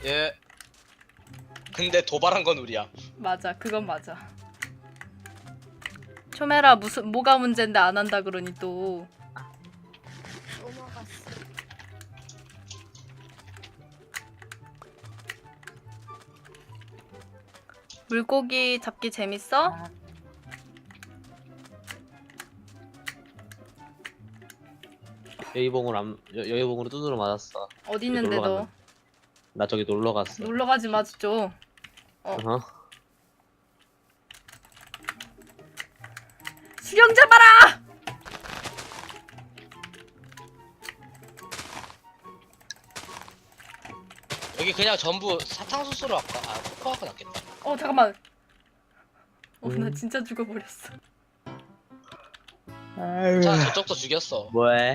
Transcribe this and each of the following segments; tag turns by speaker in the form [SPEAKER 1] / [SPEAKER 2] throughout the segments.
[SPEAKER 1] 예. 근데 도발한 건 우리야.
[SPEAKER 2] 맞아, 그건 맞아. 초메라 뭐가 문제인데 안 한다 그러니 또.
[SPEAKER 3] 넘어갔어.
[SPEAKER 2] 물고기 잡기 재밌어?
[SPEAKER 4] 여의봉으로 두드러 맞았어.
[SPEAKER 2] 어디 있는데
[SPEAKER 4] 놀러
[SPEAKER 2] 너?
[SPEAKER 4] 갔는데. 나 저기 놀러 갔어.
[SPEAKER 2] 놀러 가지 마, 좀.
[SPEAKER 4] 어?
[SPEAKER 2] 수령 잡아라!
[SPEAKER 1] 여기 그냥 전부 사탕수수로 할까? 아, 코코아가 낫겠다.
[SPEAKER 2] 잠깐만. 나
[SPEAKER 4] 음.
[SPEAKER 2] 진짜 죽어버렸어.
[SPEAKER 1] 자, 저쪽도 죽였어.
[SPEAKER 4] 뭐해?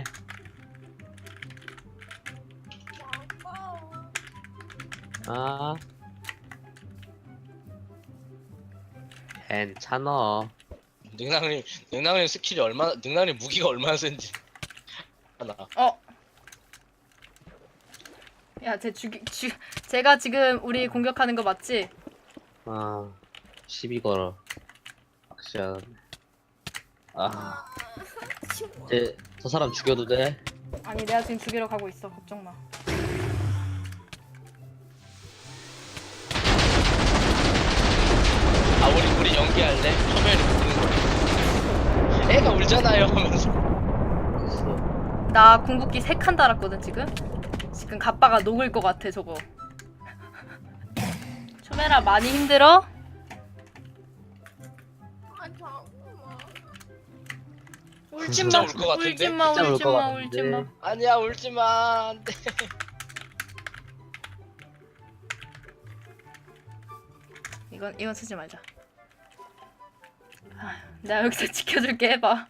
[SPEAKER 4] 아, 괜찮어.
[SPEAKER 1] 능랑님 스킬이 얼마나, 능랑님 무기가 얼마나 센지. 하나.
[SPEAKER 2] 야, 제가 지금 우리 공격하는 거 맞지?
[SPEAKER 4] 아, 시비 걸어. 확실하네. 아, 저 사람 죽여도 돼?
[SPEAKER 2] 아니, 내가 지금 죽이러 가고 있어. 걱정 마.
[SPEAKER 1] 아, 우리 연기할래? 처음에는 우는 거. 애가 울잖아요 하면서.
[SPEAKER 4] 됐어.
[SPEAKER 2] 나 궁극기 3칸 달았거든, 지금. 지금 갑바가 녹을 것 같아, 저거. 초메라 많이 힘들어?
[SPEAKER 3] 아 잠깐만.
[SPEAKER 2] 울지마,
[SPEAKER 1] 진짜 울것 같은데?
[SPEAKER 2] 울지마,
[SPEAKER 4] 진짜 울것
[SPEAKER 2] 울지마,
[SPEAKER 4] 같은데.
[SPEAKER 2] 울지마.
[SPEAKER 1] 아니야, 울지마. 안 돼.
[SPEAKER 2] 이건 쓰지 말자. 내가 여기서 지켜줄게, 해봐.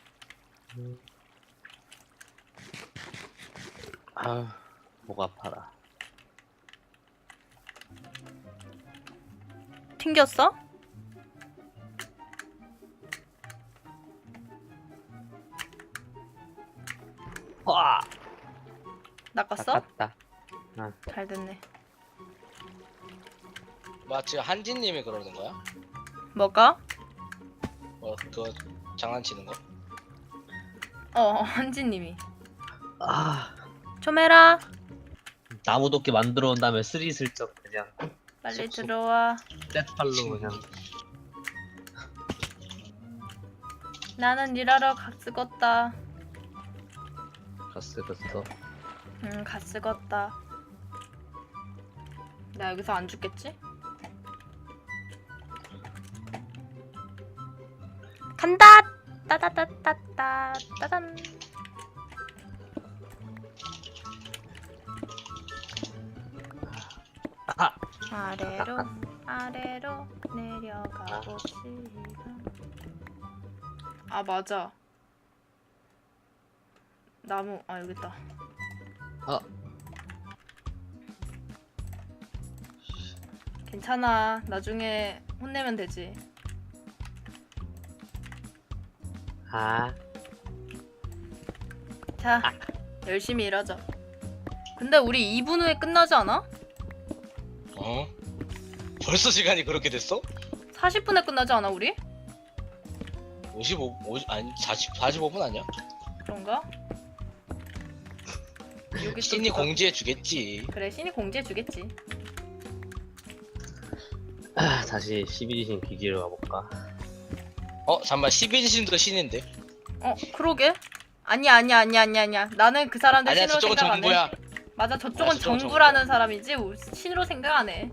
[SPEAKER 4] 아, 목 아파라.
[SPEAKER 2] 튕겼어?
[SPEAKER 4] 와,
[SPEAKER 2] 낚았어?
[SPEAKER 4] 아깝다.
[SPEAKER 2] 잘 됐네.
[SPEAKER 1] 뭐 지금 한진님이 그러는 거야?
[SPEAKER 2] 뭐가?
[SPEAKER 1] 그거 장난치는 거?
[SPEAKER 2] 한지님이.
[SPEAKER 4] 아,
[SPEAKER 2] 초메라,
[SPEAKER 4] 나무 도끼 만들어 온 다음에 스리슬쩍 그냥
[SPEAKER 2] 빨리
[SPEAKER 4] 쏙쏙.
[SPEAKER 2] 들어와.
[SPEAKER 4] 셋팔로 그냥.
[SPEAKER 2] 나는 일하러 갔쓰겄다.
[SPEAKER 4] 갔어.
[SPEAKER 2] 갔쓰겄다. 나 여기서 안 죽겠지? 간다! 따다다따따 따단. 아래로 내려가 봅시다. 아, 맞아. 나무, 여기 있다. 괜찮아. 나중에 혼내면 되지. 자, 열심히 일하자. 근데 우리 2분 후에 끝나지 않아?
[SPEAKER 1] 어? 벌써 시간이 그렇게 됐어?
[SPEAKER 2] 40분에 끝나지 않아, 우리?
[SPEAKER 1] 45분 아니야?
[SPEAKER 2] 그런가? 여기
[SPEAKER 1] 신이 공지해 주겠지.
[SPEAKER 2] 그래, 신이 공지해 주겠지.
[SPEAKER 4] 다시 12신 기지로 가볼까?
[SPEAKER 1] 잠깐만, 12진도 신인데?
[SPEAKER 2] 그러게. 아니야. 나는 그 사람들
[SPEAKER 1] 아니야,
[SPEAKER 2] 신으로
[SPEAKER 1] 저쪽은
[SPEAKER 2] 생각 안 해.
[SPEAKER 1] 정부야.
[SPEAKER 2] 맞아, 저쪽은
[SPEAKER 1] 저쪽은
[SPEAKER 2] 정부라는 사람이지 신으로 생각 안 해.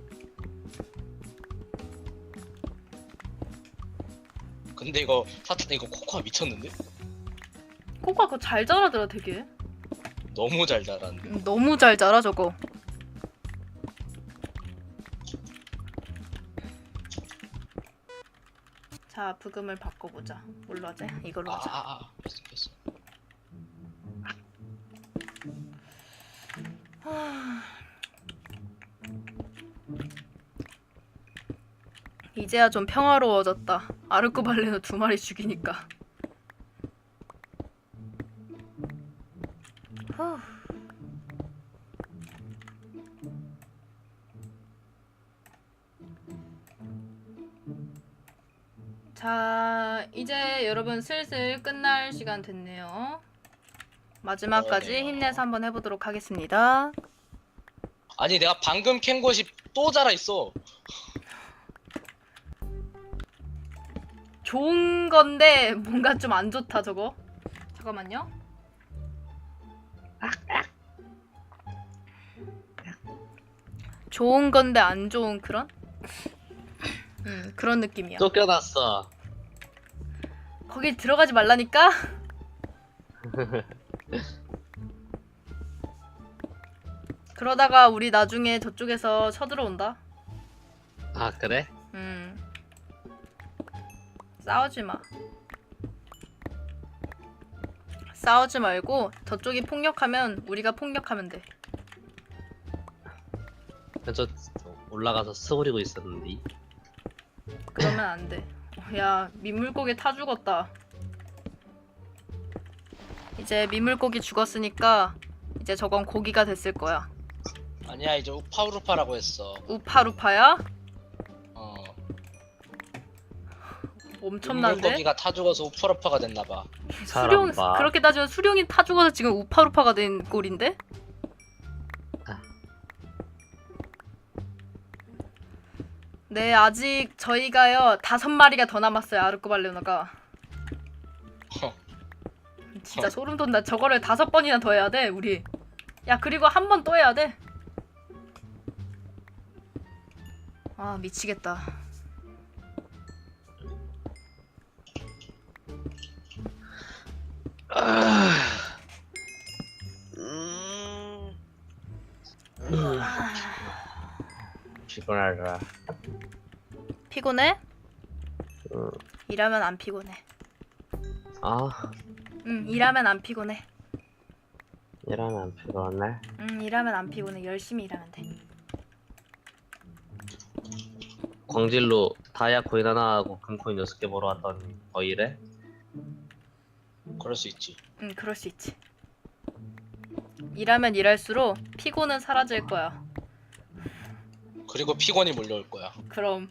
[SPEAKER 1] 근데 이거 코코아 미쳤는데?
[SPEAKER 2] 코코아 그거 잘 자라더라, 되게.
[SPEAKER 1] 너무 잘 자랐는데.
[SPEAKER 2] 너무 잘 자라, 저거. 자, 부금을 바꿔보자. 뭘로 하지? 이걸로 하자.
[SPEAKER 1] 됐어.
[SPEAKER 2] 이제야 좀 평화로워졌다. 아르코발레노 2마리 죽이니까. 후. 자, 이제 여러분 슬슬 끝날 시간 됐네요. 마지막까지
[SPEAKER 1] 그러네요.
[SPEAKER 2] 힘내서 한번 해보도록 하겠습니다.
[SPEAKER 1] 아니 내가 방금 캔 곳이 또 자라 있어.
[SPEAKER 2] 좋은 건데 뭔가 좀 안 좋다 저거. 잠깐만요. 좋은 건데 안 좋은 그런? 그런 느낌이야.
[SPEAKER 4] 쫓겨났어.
[SPEAKER 2] 거기 들어가지 말라니까? 그러다가 우리 나중에 저쪽에서 쳐들어온다.
[SPEAKER 4] 아 그래?
[SPEAKER 2] 싸우지 마. 싸우지 말고 저쪽이 폭력하면 우리가 폭력하면 돼.
[SPEAKER 4] 저 올라가서 스고리고 있었는데.
[SPEAKER 2] 그러면 안 돼. 야, 민물고기 타 죽었다. 이제 민물고기 죽었으니까 이제 저건 고기가 됐을 거야.
[SPEAKER 1] 아니야 이제 우파우루파라고 했어.
[SPEAKER 2] 우파루파야?
[SPEAKER 1] 어.
[SPEAKER 2] 엄청난데?
[SPEAKER 1] 민물고기가 타 죽어서 우파루파가 됐나봐.
[SPEAKER 2] 수룡,
[SPEAKER 4] 사람 봐.
[SPEAKER 2] 그렇게 따지면 수룡이 타 죽어서 지금 우파루파가 된 꼴인데?
[SPEAKER 4] 아.
[SPEAKER 2] 네, 아직 저희가요 5마리가 더 남았어요. 아르코발레노가. 진짜 소름 돋는다. 저거를 5번이나 더 해야 돼 우리. 야, 그리고 한 번 또 해야 돼. 아, 미치겠다.
[SPEAKER 4] 피곤하더라.
[SPEAKER 2] 피곤해?
[SPEAKER 4] 응.
[SPEAKER 2] 일하면 안 피곤해.
[SPEAKER 4] 아
[SPEAKER 2] 일하면 안 피곤해.
[SPEAKER 4] 이러면 안 피곤해.
[SPEAKER 2] 일하면 안 피곤해. 열심히 일하면 돼.
[SPEAKER 4] 광질로 다이아 코인 하나 하고 금코인 6개 보러 왔더니 더 이래?
[SPEAKER 1] 그럴 수 있지.
[SPEAKER 2] 그럴 수 있지. 일하면 일할수록 피곤은 사라질 거야.
[SPEAKER 1] 그리고 피곤이 몰려올 거야.
[SPEAKER 2] 그럼.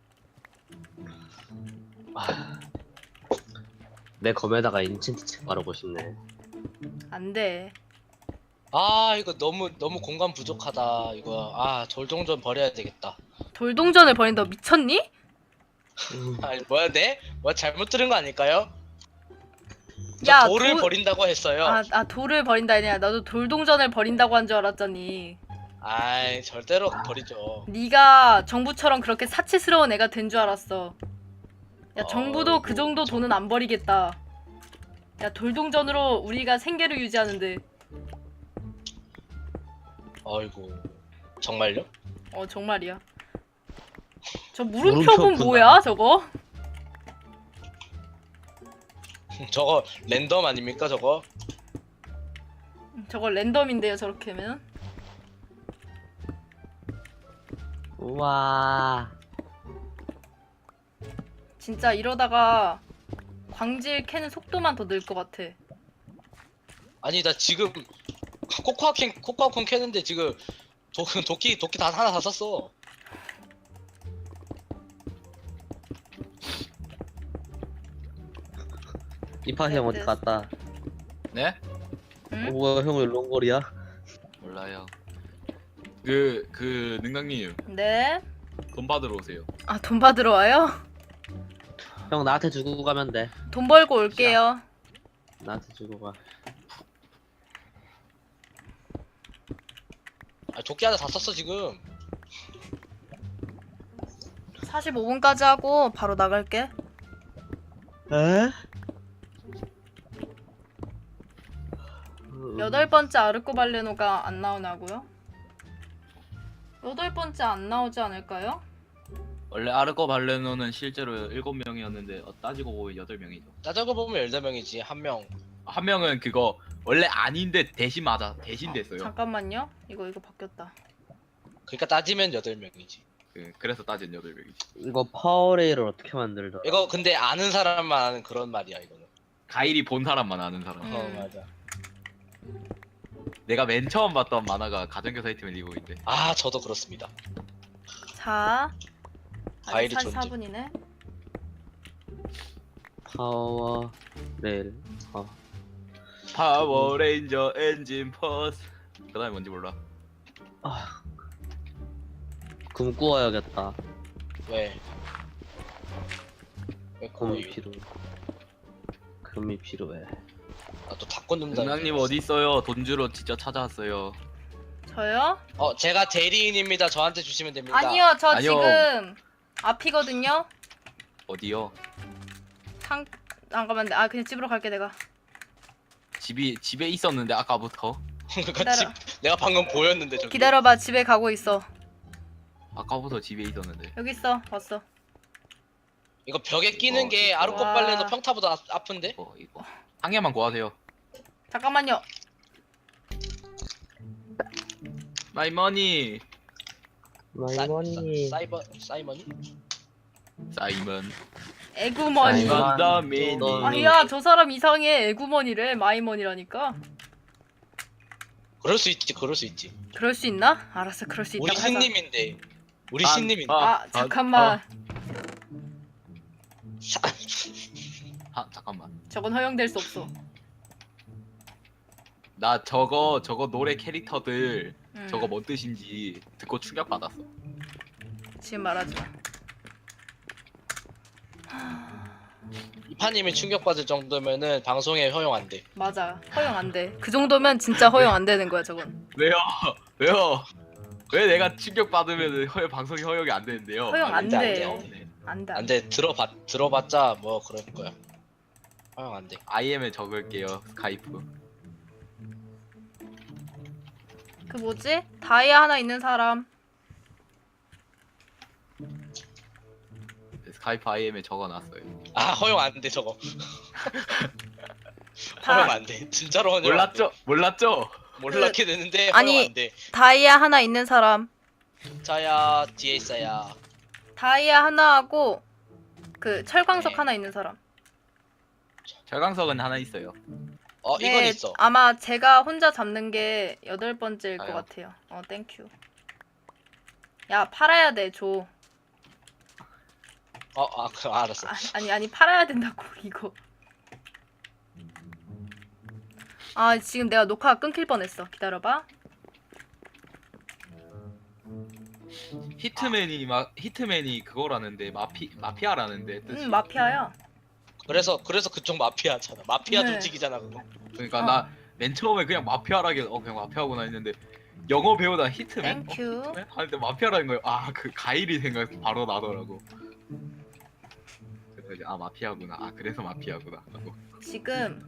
[SPEAKER 4] 내 검에다가 인챈트 책 바르고 싶네.
[SPEAKER 2] 안 돼.
[SPEAKER 1] 아 이거 너무 공간 부족하다. 이거 아 돌동전 버려야 되겠다.
[SPEAKER 2] 돌동전을 버린다고 미쳤니?
[SPEAKER 1] 아니 뭐야 네? 뭐 잘못 들은 거 아닐까요?
[SPEAKER 2] 야,
[SPEAKER 1] 돌을 버린다고 했어요.
[SPEAKER 2] 돌을 버린다 아니야. 나도 돌동전을 버린다고 한 줄 알았잖니.
[SPEAKER 1] 아이 절대로 버리죠.
[SPEAKER 2] 네가 정부처럼 그렇게 사치스러운 애가 된 줄 알았어. 야, 정부도 그 정도 돈은 안 버리겠다. 야, 돌동전으로 우리가 생계를 유지하는데.
[SPEAKER 1] 아이고 정말요?
[SPEAKER 2] 정말이야. 저 물음표는
[SPEAKER 4] 물음표구나.
[SPEAKER 2] 뭐야 저거?
[SPEAKER 1] 저거 랜덤 아닙니까 저거?
[SPEAKER 2] 저거 랜덤인데요 저렇게 하면.
[SPEAKER 4] 우와.
[SPEAKER 2] 진짜 이러다가 광질 캐는 속도만 더 늘 것 같아.
[SPEAKER 1] 아니 나 지금 코코아콘 캐는데 지금 도끼 다 하나 다 썼어.
[SPEAKER 4] 이파 형 어디 갔다?
[SPEAKER 3] 네?
[SPEAKER 2] 응?
[SPEAKER 4] 뭐야 형 왜 롱거리야?
[SPEAKER 3] 몰라요. 능강님
[SPEAKER 2] 네.
[SPEAKER 3] 돈 받으러 오세요.
[SPEAKER 2] 아, 돈 받으러 와요?
[SPEAKER 4] 형 나한테 주고 가면 돼.
[SPEAKER 2] 돈 벌고 올게요.
[SPEAKER 4] 나한테 주고 가.
[SPEAKER 1] 아 도끼 하나 다 썼어 지금.
[SPEAKER 2] 45분까지 하고 바로 나갈게.
[SPEAKER 4] 에?
[SPEAKER 2] 8번째 아르코발레노가 안 나오나고요? 8번째 안 나오지 않을까요?
[SPEAKER 3] 원래 아르코 발레노는 실제로 7명이었는데 따지고 보면 8명이죠.
[SPEAKER 1] 따져고 보면 18명이지 한 명.
[SPEAKER 3] 한 명은 그거 원래 아닌데 대신 됐어요.
[SPEAKER 2] 잠깐만요. 이거 바뀌었다.
[SPEAKER 1] 그러니까 따지면 8명이지.
[SPEAKER 3] 그래서 따진 8명이지.
[SPEAKER 4] 이거 파워레일을 어떻게 만들더라?
[SPEAKER 1] 이거 근데 아는 사람만 아는 그런 말이야 이거는.
[SPEAKER 3] 가일이 본 사람만 아는 사람.
[SPEAKER 1] 맞아.
[SPEAKER 3] 내가 맨 처음 봤던 만화가 가정교사 이팀 리보인데.
[SPEAKER 1] 아 저도 그렇습니다.
[SPEAKER 2] 자, 아직
[SPEAKER 1] 과일이 존재.
[SPEAKER 2] 44분이네.
[SPEAKER 4] 파워 레일.
[SPEAKER 3] 파워레인저 엔진 퍼스. 그다음에 뭔지 몰라.
[SPEAKER 4] 금 구워야겠다.
[SPEAKER 1] 왜? 왜
[SPEAKER 4] 금이
[SPEAKER 1] 거의
[SPEAKER 4] 필요해. 금이 필요해.
[SPEAKER 1] 나또 닭 꽂는다.
[SPEAKER 3] 능랑님 어디 있어요? 돈 주러 진짜 찾아왔어요.
[SPEAKER 2] 저요?
[SPEAKER 1] 제가 대리인입니다. 저한테 주시면 됩니다.
[SPEAKER 2] 아니요, 저
[SPEAKER 3] 아니요.
[SPEAKER 2] 지금 앞이거든요.
[SPEAKER 3] 어디요?
[SPEAKER 2] 잠깐만, 그냥 집으로 갈게 내가.
[SPEAKER 3] 집에 있었는데 아까부터.
[SPEAKER 1] 그러니까 집 내가 방금 보였는데 저기.
[SPEAKER 2] 기다려봐, 집에 가고 있어.
[SPEAKER 3] 아까부터 집에 있었는데.
[SPEAKER 2] 여기 있어, 왔어.
[SPEAKER 1] 이거 벽에 끼는 게
[SPEAKER 3] 진짜.
[SPEAKER 1] 아르코
[SPEAKER 2] 와.
[SPEAKER 1] 빨래는 평타보다 아픈데?
[SPEAKER 3] 이거 한 개만 구하세요.
[SPEAKER 2] 잠깐만요.
[SPEAKER 3] 마이 머니.
[SPEAKER 4] 마이머니.
[SPEAKER 1] 사이머니?
[SPEAKER 3] 사이먼.
[SPEAKER 2] 애구머니.
[SPEAKER 4] 사이먼.
[SPEAKER 3] 사이먼 더 미니.
[SPEAKER 4] 너-
[SPEAKER 2] 아니야, 저 사람 이상해. 애구머니래. 마이머니라니까.
[SPEAKER 1] 그럴 수 있지. 그럴 수 있지.
[SPEAKER 2] 그럴 수 있나? 알았어, 그럴 수 있다.
[SPEAKER 1] 우리 신님인데. 우리
[SPEAKER 3] 아,
[SPEAKER 1] 신님인데.
[SPEAKER 2] 잠깐만.
[SPEAKER 3] 잠깐만.
[SPEAKER 2] 저건 허용될 수 없어.
[SPEAKER 3] 나 저거 노래 캐릭터들 저거
[SPEAKER 2] 음,
[SPEAKER 3] 뭔 뜻인지 듣고 충격 받았어.
[SPEAKER 2] 지금 말하지 마.
[SPEAKER 1] 이파님이 충격받을 정도면은 방송에 허용 안 돼.
[SPEAKER 2] 맞아, 허용 안 돼. 그 정도면 진짜 허용 안 되는 거야, 저건.
[SPEAKER 3] 왜요? 왜요? 왜 내가 충격 받으면 방송이 허용이 안 되는데요?
[SPEAKER 2] 허용 안
[SPEAKER 1] 돼, 안 돼,
[SPEAKER 2] 돼요.
[SPEAKER 1] 안 돼.
[SPEAKER 2] 안 돼.
[SPEAKER 1] 안 돼. 들어봤자 뭐 그럴 거야. 허용 안 돼.
[SPEAKER 3] IM에 적을게요. 스카이프.
[SPEAKER 2] 그 뭐지? 다이아 하나 있는 사람.
[SPEAKER 3] 스카이프 IM에 적어놨어요.
[SPEAKER 1] 허용 안 돼 저거.
[SPEAKER 2] 다-
[SPEAKER 1] 허용 안 돼. 진짜로 허용 안 돼.
[SPEAKER 3] 몰랐죠?
[SPEAKER 1] 몰랐게 되는데 허용
[SPEAKER 2] 아니-
[SPEAKER 1] 안 돼.
[SPEAKER 2] 다이아 하나 있는 사람.
[SPEAKER 1] 자야 뒤에 있어야.
[SPEAKER 2] 다이아 하나 하고 그 철광석
[SPEAKER 1] 네.
[SPEAKER 2] 하나 있는 사람.
[SPEAKER 3] 절강석은 하나 있어요.
[SPEAKER 1] 이건 있어.
[SPEAKER 2] 아마 제가 혼자 잡는 게 8번째일 것
[SPEAKER 3] 아요.
[SPEAKER 2] 같아요. 땡큐. 야, 팔아야 돼, 줘.
[SPEAKER 1] 알았어.
[SPEAKER 2] 아니, 팔아야 된다고, 이거. 지금 내가 녹화가 끊길 뻔했어. 기다려봐.
[SPEAKER 3] 히트맨이 그거라는데 마피아라는데 뜻이.
[SPEAKER 2] 마피아야.
[SPEAKER 1] 그래서 그쪽 마피아잖아. 마피아
[SPEAKER 2] 네.
[SPEAKER 1] 조직이잖아 그거.
[SPEAKER 3] 그러니까
[SPEAKER 2] 어.
[SPEAKER 3] 나 맨 처음에 그냥 마피아라길 그냥 마피아구나 했는데 영어 배우다 히트맨?
[SPEAKER 2] 땡큐.
[SPEAKER 3] 히트맨? 하는데 마피아라는 거예요. 그 가일이 생각 바로 나더라고. 그래서 이제 마피아구나. 그래서 마피아구나 하고.
[SPEAKER 2] 지금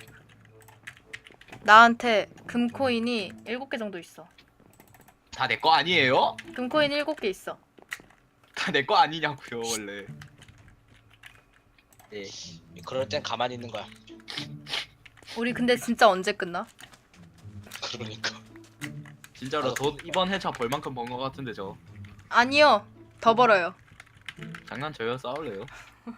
[SPEAKER 2] 나한테 금코인이 7개 정도 있어.
[SPEAKER 3] 다 내 거 아니에요?
[SPEAKER 2] 금코인 7개 있어.
[SPEAKER 3] 다 내 거 아니냐고요 원래.
[SPEAKER 1] 예. 그럴 땐 가만히 있는 거야.
[SPEAKER 2] 우리 근데 진짜 언제 끝나?
[SPEAKER 1] 그러니까.
[SPEAKER 3] 진짜로 돈 이번 회차 벌 만큼 번 거 같은데 저.
[SPEAKER 2] 아니요. 더 벌어요.
[SPEAKER 3] 장난쳐요? 싸울래요?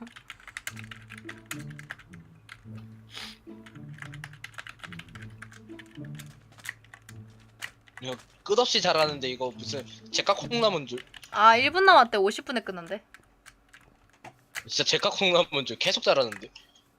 [SPEAKER 1] 이거 끝없이 잘하는데 이거 무슨 제가 콩나물 줄.
[SPEAKER 2] 1분 남았대. 50분에 끝난대.
[SPEAKER 1] 진짜 제가 콩나물 줄 계속 잘하는데.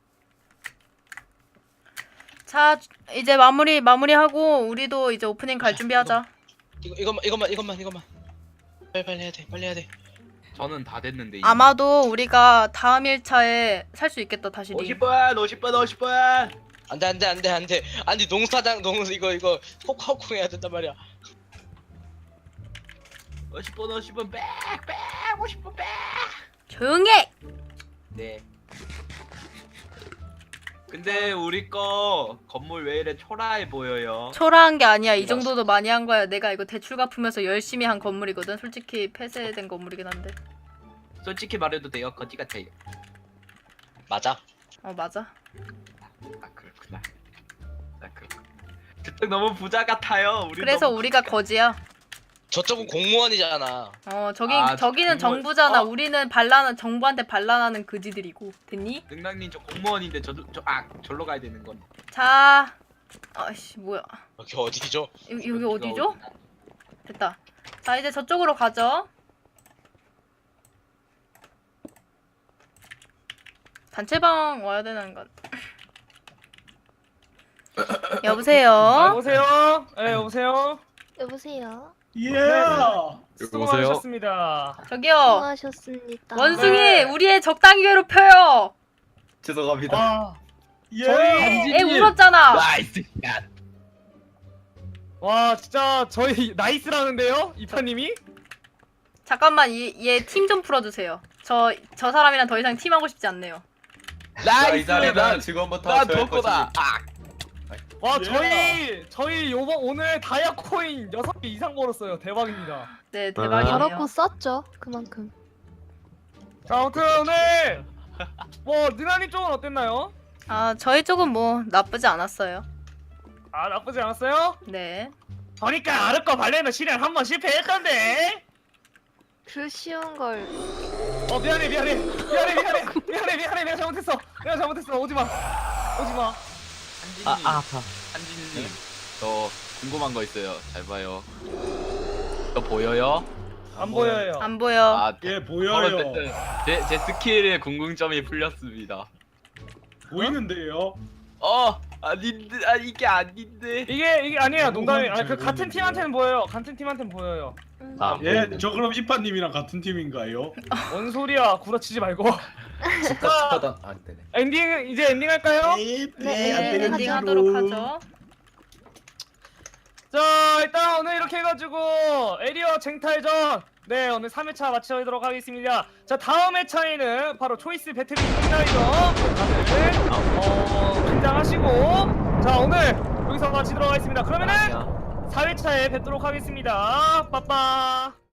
[SPEAKER 2] 자, 이제 마무리하고 우리도 이제 오프닝 갈 준비하자.
[SPEAKER 1] 이것만. 빨리 해야 돼. 빨리 해야 돼.
[SPEAKER 3] 저는 다 됐는데.
[SPEAKER 2] 아마도 우리가 다음 1차에 살 수 있겠다. 다시 링.
[SPEAKER 3] 50분.
[SPEAKER 1] 안돼. 아니 농사장 이거 콕콕 해야 된단 말이야.
[SPEAKER 3] 50분 백 50분 백.
[SPEAKER 2] 조용히 해!
[SPEAKER 3] 네. 근데 우리 거 건물 왜 이래 초라해 보여요?
[SPEAKER 2] 초라한 게 아니야. 이 정도도 많이 한 거야. 내가 이거 대출 갚으면서 열심히 한 건물이거든. 솔직히 폐쇄된 건물이긴 한데.
[SPEAKER 3] 솔직히 말해도 돼요. 거지 같아요.
[SPEAKER 1] 맞아.
[SPEAKER 2] 맞아.
[SPEAKER 3] 그렇구나. 그렇구나. 저쪽 너무 부자 같아요. 우리
[SPEAKER 2] 그래서
[SPEAKER 3] 너무
[SPEAKER 2] 우리가
[SPEAKER 3] 부자
[SPEAKER 2] 거지야.
[SPEAKER 1] 저쪽은 공무원이잖아.
[SPEAKER 2] 저기는
[SPEAKER 3] 공무원.
[SPEAKER 2] 정부잖아. 우리는 정부한테 반란하는 그지들이고. 됐니?
[SPEAKER 3] 능랑님 저 공무원인데 절로 가야 되는 건.
[SPEAKER 2] 자. 아이씨, 뭐야.
[SPEAKER 1] 여기 어디죠?
[SPEAKER 2] 여기 어디죠? 됐다. 자, 이제 저쪽으로 가죠. 단체방 와야 되는 건. 여보세요.
[SPEAKER 5] 여보세요? 네, 여보세요?
[SPEAKER 6] 여보세요.
[SPEAKER 7] 예.
[SPEAKER 5] 수고하셨습니다.
[SPEAKER 2] 저기요.
[SPEAKER 6] 수고하셨습니다.
[SPEAKER 2] 원숭이
[SPEAKER 5] 네.
[SPEAKER 2] 우리의 적당히 괴롭혀요.
[SPEAKER 7] 죄송합니다.
[SPEAKER 5] 아,
[SPEAKER 7] 예.
[SPEAKER 5] 저희
[SPEAKER 2] 애 울었잖아.
[SPEAKER 3] 나이스 샷.
[SPEAKER 5] 와 진짜 저희 나이스라는데요? 이파님이?
[SPEAKER 2] 잠깐만 얘 팀 좀 풀어주세요. 저 사람이랑 더 이상 팀하고 싶지 않네요.
[SPEAKER 7] 이 자리는 지금부터
[SPEAKER 3] 난
[SPEAKER 7] 저의
[SPEAKER 3] 덕거다.
[SPEAKER 5] 와
[SPEAKER 7] 예.
[SPEAKER 5] 저희 요번 오늘 다이아 코인 6개 이상 벌었어요. 대박입니다.
[SPEAKER 2] 네 대박이네요.
[SPEAKER 6] 더럽고 썼죠. 그만큼.
[SPEAKER 5] 자 아무튼 오늘 뭐 느나님 쪽은 어땠나요?
[SPEAKER 2] 아 저희 쪽은 뭐 나쁘지 않았어요.
[SPEAKER 5] 아 나쁘지 않았어요?
[SPEAKER 2] 네.
[SPEAKER 5] 보니까 아르코 발레는 실현 한 번 실패했던데.
[SPEAKER 6] 그 쉬운 걸.
[SPEAKER 5] 미안해 내가 잘못했어 오지마
[SPEAKER 3] 한진님, 한진님, 저 궁금한 거 있어요. 잘 봐요. 저 보여요?
[SPEAKER 5] 안 보여요.
[SPEAKER 2] 안 보여.
[SPEAKER 3] 아,
[SPEAKER 7] 예, 보여요.
[SPEAKER 3] 어쨌든 제 스킬에 궁금점이 풀렸습니다.
[SPEAKER 7] 보이는데요.
[SPEAKER 3] 아닌데, 이게 아닌데.
[SPEAKER 5] 이게 아니에요 농담이. 아니 그
[SPEAKER 7] 잘
[SPEAKER 5] 같은
[SPEAKER 7] 보이는데요.
[SPEAKER 5] 팀한테는 보여요. 같은 팀한테는 보여요.
[SPEAKER 4] 아,
[SPEAKER 7] 예, 저 그럼 이파님이랑 같은 팀인가요?
[SPEAKER 5] 뭔 소리야 구라치지 말고.
[SPEAKER 7] 축하다. 아, 네네.
[SPEAKER 5] 엔딩 이제 엔딩 할까요?
[SPEAKER 2] 네 엔딩 하도록 하죠.
[SPEAKER 5] 자 일단 오늘 이렇게 해가지고 에리어 쟁탈전 네 오늘 3회차 마치도록 하겠습니다. 자 다음 회차에는 바로 초이스 배틀 빅라이더 다들 긴장하시고 자 오늘 여기서 마치도록 하겠습니다. 그러면은 4회차에 뵙도록 하겠습니다. 빠빠.